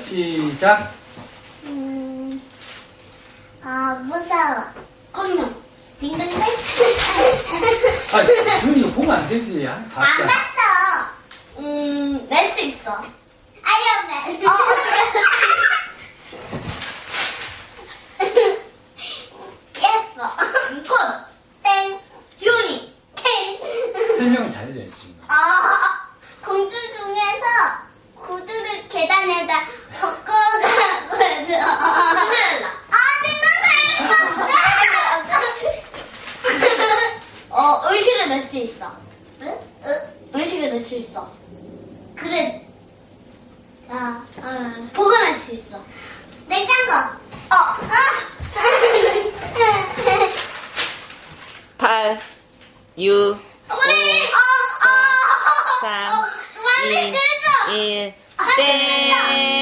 시작. 무서워. 공룡. 딩동댕. 아, 준이가 보면 안 되지. 안 봤어. 낼 수 있어. 아이언맨. 예뻐. 꽃. 땡. 주니. 땡. 설명을 잘해줘야지, 지금. 공주 중에서 구두를 계단에다 걷어가거든. 신데렐라. 음식을 넣을 수 있어. 음식을 넣을 수 있어. 그래. 보관할 수 있어. 냉장고. 8, 6, 5, 4, 3, 2, 1, 땡!